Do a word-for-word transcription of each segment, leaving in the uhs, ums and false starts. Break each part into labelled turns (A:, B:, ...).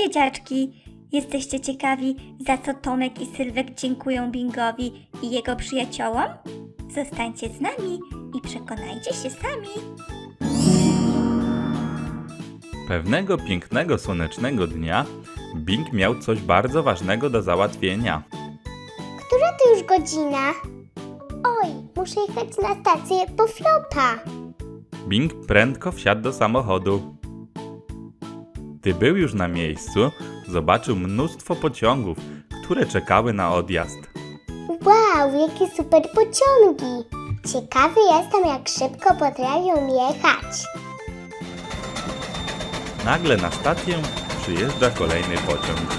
A: dzieciaczki! Jesteście ciekawi, za co Tomek i Sylwek dziękują Bingowi i jego przyjaciołom? Zostańcie z nami i przekonajcie się sami.
B: Pewnego pięknego, słonecznego dnia Bing miał coś bardzo ważnego do załatwienia.
C: Która to już godzina? Oj, muszę jechać na stację po Flopa.
B: Bing prędko wsiadł do samochodu. Gdy był już na miejscu, zobaczył mnóstwo pociągów, które czekały na odjazd.
C: Wow, jakie super pociągi! Ciekawy jestem, jak szybko potrafią jechać.
B: Nagle na stację przyjeżdża kolejny pociąg.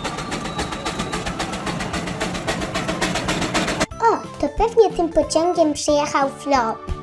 C: O, to pewnie tym pociągiem przyjechał Flop.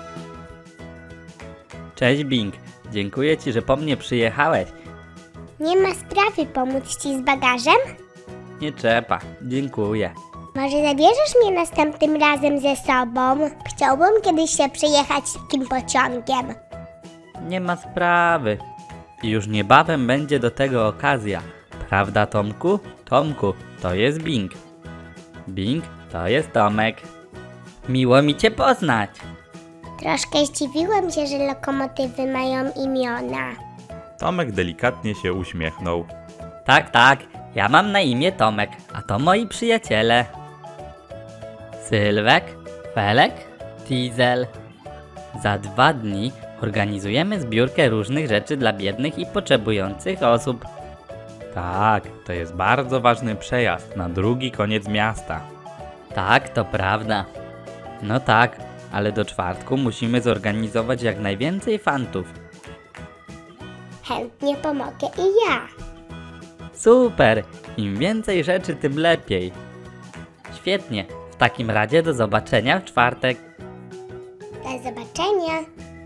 D: Cześć Bing, dziękuję Ci, że po mnie przyjechałeś.
C: Nie ma sprawy, pomóc Ci z bagażem?
D: Nie trzeba, dziękuję.
C: Może zabierzesz mnie następnym razem ze sobą? Chciałbym kiedyś się przejechać takim pociągiem.
D: Nie ma sprawy. I już niebawem będzie do tego okazja. Prawda, Tomku? Tomku, to jest Bing. Bing, to jest Tomek. Miło mi Cię poznać.
C: Troszkę zdziwiłam się, że lokomotywy mają imiona.
B: Tomek delikatnie się uśmiechnął.
D: Tak, tak, ja mam na imię Tomek, a to moi przyjaciele. Sylwek, Felek, Diesel. Za dwa dni organizujemy zbiórkę różnych rzeczy dla biednych i potrzebujących osób.
B: Tak, to jest bardzo ważny przejazd na drugi koniec miasta.
D: Tak, to prawda. No tak, ale do czwartku musimy zorganizować jak najwięcej fantów.
C: Chętnie pomogę i ja.
D: Super! Im więcej rzeczy, tym lepiej. Świetnie, w takim razie do zobaczenia w czwartek.
C: Do zobaczenia.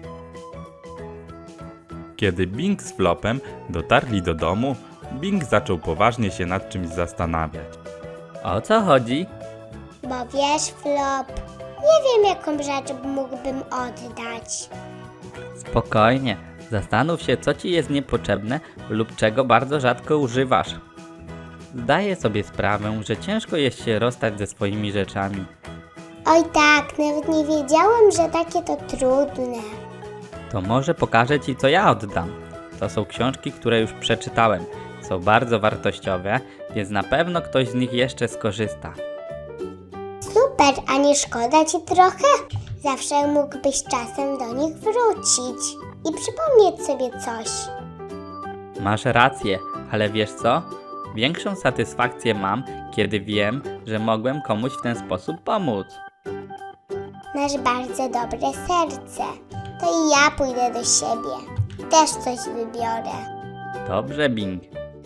B: Kiedy Bing z Flopem dotarli do domu, Bing zaczął poważnie się nad czymś zastanawiać.
D: O co chodzi?
C: Bo wiesz, Flop, nie wiem, jaką rzecz mógłbym oddać.
D: Spokojnie, zastanów się, co ci jest niepotrzebne lub czego bardzo rzadko używasz. Zdaję sobie sprawę, że ciężko jest się rozstać ze swoimi rzeczami.
C: Oj tak, nawet nie wiedziałem, że takie to trudne.
D: To może pokażę ci, co ja oddam. To są książki, które już przeczytałem. Są bardzo wartościowe, więc na pewno ktoś z nich jeszcze skorzysta.
C: Super, a nie szkoda ci trochę? Zawsze mógłbyś czasem do nich wrócić i przypomnieć sobie coś.
D: Masz rację, ale wiesz co? Większą satysfakcję mam, kiedy wiem, że mogłem komuś w ten sposób pomóc.
C: Masz bardzo dobre serce. To i ja pójdę do siebie. Też coś wybiorę.
D: Dobrze, Bing.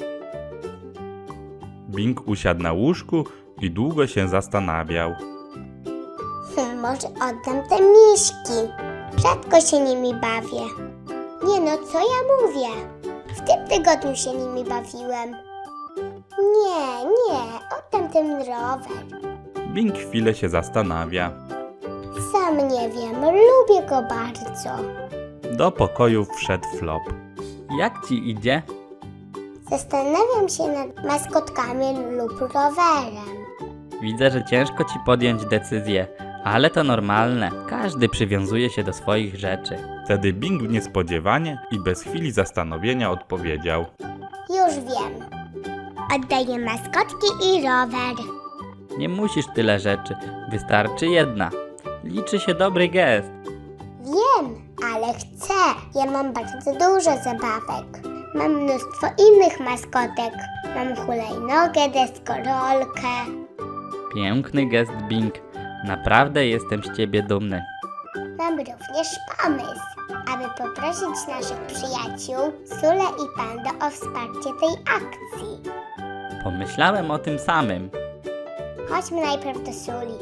B: Bing usiadł na łóżku i długo się zastanawiał.
C: Hm, może oddam te miśki. Rzadko się nimi bawię. Nie no, co ja mówię? W tym tygodniu się nimi bawiłem. Nie, nie, oddam ten rower.
B: Bing chwilę się zastanawia.
C: Sam nie wiem, lubię go bardzo.
B: Do pokoju wszedł Flop.
D: Jak ci idzie?
C: Zastanawiam się nad maskotkami lub rowerem.
D: Widzę, że ciężko ci podjąć decyzję, ale to normalne. Każdy przywiązuje się do swoich rzeczy.
B: Wtedy Bing niespodziewanie i bez chwili zastanowienia odpowiedział.
C: Już wiem. Oddaję maskotki i rower.
D: Nie musisz tyle rzeczy, wystarczy jedna. Liczy się dobry gest.
C: Wiem, ale chcę. Ja mam bardzo dużo zabawek. Mam mnóstwo innych maskotek. Mam hulajnogę, deskorolkę.
D: Piękny gest, Bing. Naprawdę jestem z ciebie dumny.
C: Mam również pomysł, aby poprosić naszych przyjaciół, Sule i Panda, o wsparcie tej akcji.
D: Pomyślałem o tym samym.
C: Chodźmy najpierw do Suli.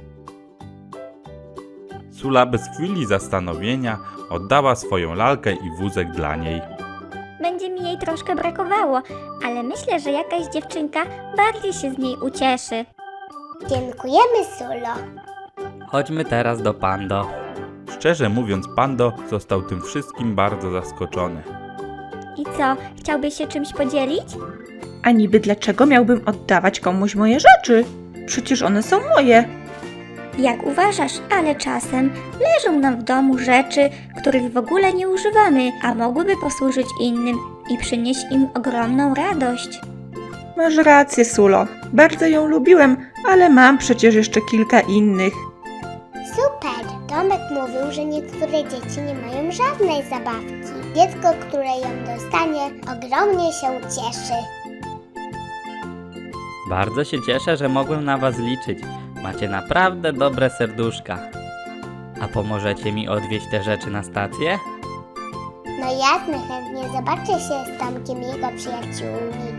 B: Sula bez chwili zastanowienia oddała swoją lalkę i wózek dla niej.
A: Będzie mi jej troszkę brakowało, ale myślę, że jakaś dziewczynka bardziej się z niej ucieszy.
C: Dziękujemy, Sulo.
D: Chodźmy teraz do Pando.
B: Szczerze mówiąc, Pando został tym wszystkim bardzo zaskoczony.
A: I co, chciałbyś się czymś podzielić?
E: A niby dlaczego miałbym oddawać komuś moje rzeczy? Przecież one są moje.
A: Jak uważasz, ale czasem leżą nam w domu rzeczy, których w ogóle nie używamy, a mogłyby posłużyć innym i przynieść im ogromną radość.
E: Masz rację, Sulo. Bardzo ją lubiłem, ale mam przecież jeszcze kilka innych.
C: Super! Tomek mówił, że niektóre dzieci nie mają żadnej zabawki. Dziecko, które ją dostanie, ogromnie się cieszy.
D: Bardzo się cieszę, że mogłem na was liczyć. Macie naprawdę dobre serduszka. A pomożecie mi odwieźć te rzeczy na stację?
C: No jasne, chętnie zobaczę się z Tomkiem i jego przyjaciółmi.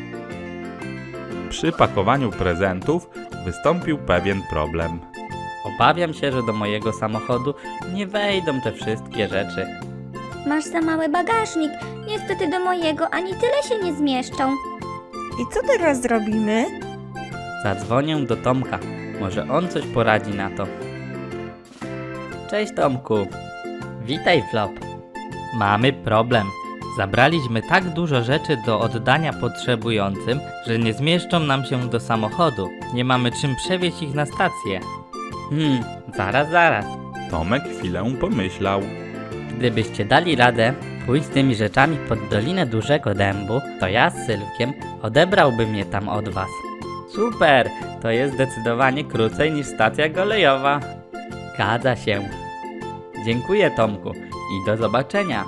B: Przy pakowaniu prezentów wystąpił pewien problem.
D: Obawiam się, że do mojego samochodu nie wejdą te wszystkie rzeczy.
A: Masz za mały bagażnik, niestety do mojego ani tyle się nie zmieszczą.
E: I co teraz zrobimy?
D: Zadzwonię do Tomka. Może on coś poradzi na to. Cześć Tomku. Witaj Flop. Mamy problem. Zabraliśmy tak dużo rzeczy do oddania potrzebującym, że nie zmieszczą nam się do samochodu. Nie mamy czym przewieźć ich na stację. Hmm, zaraz, zaraz.
B: Tomek chwilę pomyślał.
D: Gdybyście dali radę pójść z tymi rzeczami pod Dolinę Dużego Dębu, to ja z Sylwkiem odebrałbym je tam od was. Super! To jest zdecydowanie krócej niż stacja kolejowa. Zgadza się. Dziękuję Tomku i do zobaczenia.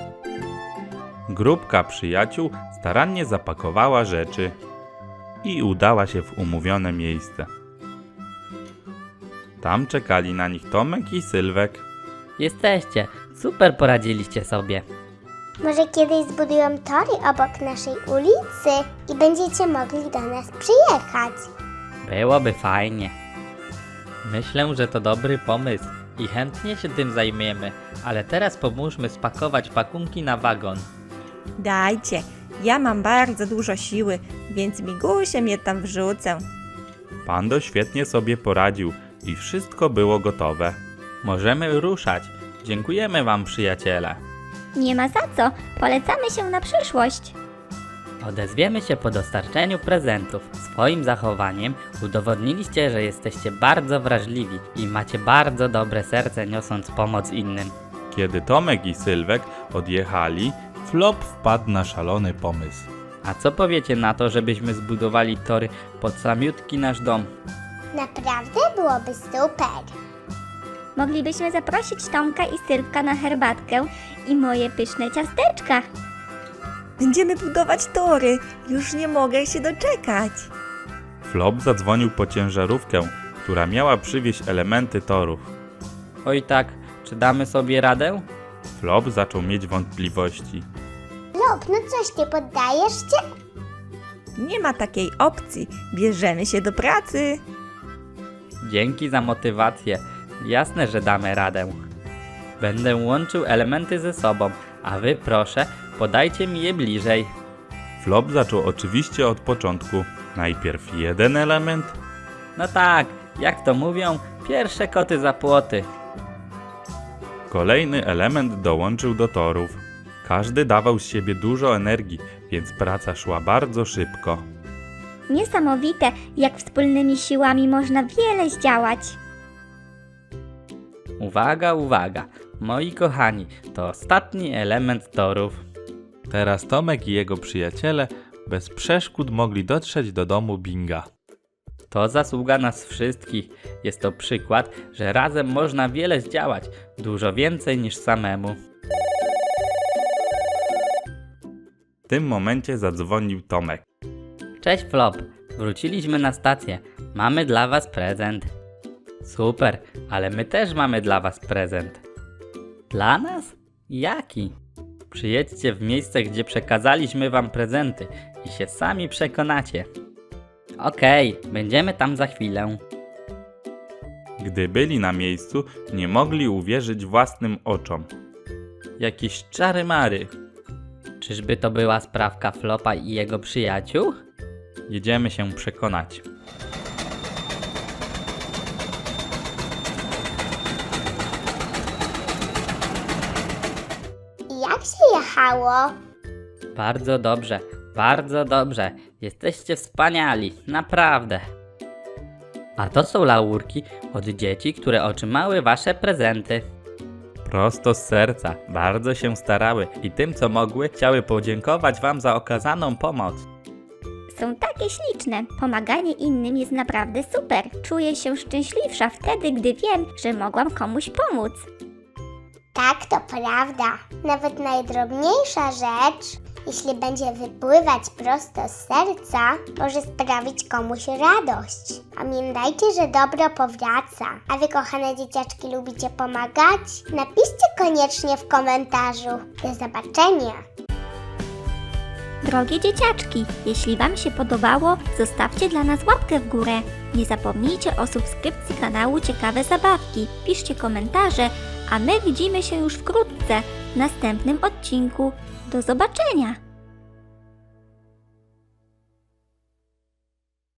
B: Grupka przyjaciół starannie zapakowała rzeczy i udała się w umówione miejsce. Tam czekali na nich Tomek i Sylwek.
D: Jesteście. Super poradziliście sobie.
C: Może kiedyś zbudują tory obok naszej ulicy i będziecie mogli do nas przyjechać.
D: Byłoby fajnie. Myślę, że to dobry pomysł i chętnie się tym zajmiemy, ale teraz pomóżmy spakować pakunki na wagon.
E: Dajcie, ja mam bardzo dużo siły, więc migusiem je tam wrzucę.
B: Pando świetnie sobie poradził i wszystko było gotowe.
D: Możemy ruszać. Dziękujemy wam, przyjaciele.
A: Nie ma za co, polecamy się na przyszłość.
D: Odezwiemy się po dostarczeniu prezentów. Swoim zachowaniem udowodniliście, że jesteście bardzo wrażliwi i macie bardzo dobre serce, niosąc pomoc innym.
B: Kiedy Tomek i Sylwek odjechali, Flop wpadł na szalony pomysł.
D: A co powiecie na to, żebyśmy zbudowali tory pod samiutki nasz dom?
C: Naprawdę byłoby super.
A: Moglibyśmy zaprosić Tomka i Sylwka na herbatkę i moje pyszne ciasteczka.
E: Będziemy budować tory. Już nie mogę się doczekać.
B: Flop zadzwonił po ciężarówkę, która miała przywieźć elementy torów.
D: Oj tak, czy damy sobie radę?
B: Flop zaczął mieć wątpliwości.
C: Lub, no coś, nie poddajesz się?
E: Nie ma takiej opcji. Bierzemy się do pracy.
D: Dzięki za motywację. Jasne, że damy radę. Będę łączył elementy ze sobą, a wy proszę, podajcie mi je bliżej.
B: Flop zaczął oczywiście od początku. Najpierw jeden element,
D: No tak, jak to mówią, pierwsze koty za płoty.
B: kolejny element dołączył do torów. Każdy dawał z siebie dużo energii, więc praca szła bardzo szybko.
A: Niesamowite, jak wspólnymi siłami można wiele zdziałać.
D: Uwaga, uwaga, moi kochani, to ostatni element torów.
B: Teraz Tomek i jego przyjaciele bez przeszkód mogli dotrzeć do domu Binga.
D: To zasługa nas wszystkich. Jest to przykład, że razem można wiele zdziałać, dużo więcej niż samemu.
B: W tym momencie zadzwonił Tomek.
D: Cześć Flop, wróciliśmy na stację. Mamy dla was prezent. Super, ale my też mamy dla was prezent. Dla nas? Jaki? Przyjedźcie w miejsce, gdzie przekazaliśmy wam prezenty i się sami przekonacie. Okej, będziemy tam za chwilę.
B: Gdy byli na miejscu, nie mogli uwierzyć własnym oczom.
D: Jakieś czary mary. Czyżby to była sprawka Flopa i jego przyjaciół?
B: Jedziemy się przekonać.
C: I jak się jechało?
D: Bardzo dobrze, bardzo dobrze. Jesteście wspaniali, naprawdę. A to są laurki od dzieci, które otrzymały wasze prezenty.
B: Prosto z serca, bardzo się starały i tym co mogły chciały podziękować wam za okazaną pomoc.
A: Są takie śliczne. Pomaganie innym jest naprawdę super. Czuję się szczęśliwsza wtedy, gdy wiem, że mogłam komuś pomóc.
C: Tak, to prawda. Nawet najdrobniejsza rzecz, jeśli będzie wypływać prosto z serca, może sprawić komuś radość. Pamiętajcie, że dobro powraca. A wy, kochane dzieciaczki, lubicie pomagać? Napiszcie koniecznie w komentarzu. Do zobaczenia!
A: Drogie dzieciaczki, jeśli Wam się podobało, zostawcie dla nas łapkę w górę. Nie zapomnijcie o subskrypcji kanału Ciekawe Zabawki. Piszcie komentarze, a my widzimy się już wkrótce w następnym odcinku. Do zobaczenia!